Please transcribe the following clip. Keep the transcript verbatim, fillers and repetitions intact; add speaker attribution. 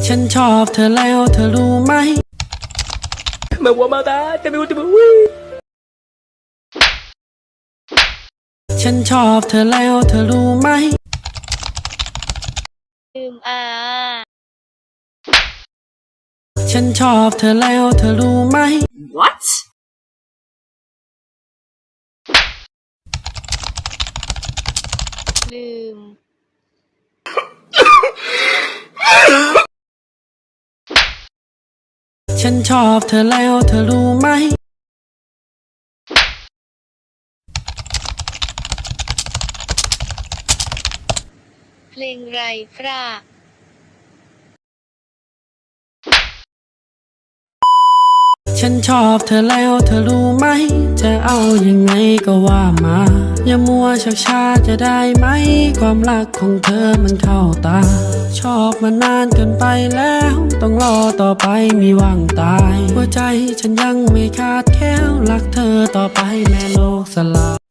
Speaker 1: ฉันชอบเธอแล้วเธอรู้ไหม
Speaker 2: Me voy a matar, te me gusta, me
Speaker 1: ฉันชอบเธอแล้วเธอรู้ไหม
Speaker 3: ลืมอา
Speaker 1: ฉันชอบเธอแล้วเธอรู้ไหม
Speaker 2: What?
Speaker 3: ลืม
Speaker 1: ฉันชอบเธอแล้วเธอรู้ไหม
Speaker 3: เพลงไรฟรา
Speaker 1: ฉันชอบเธอแล้วเธอรู้ไหมจะเอายังไงก็ว่ามาอย่ามัวชักช้าจะได้ไหมความรักของเธอมันเข้าตาชอบมานานเกินไปแล้วต้องรอต่อไปมีหวังตายหัวใจฉันยังไม่ขาดแคล้วรักเธอต่อไปแม้โลกสลาย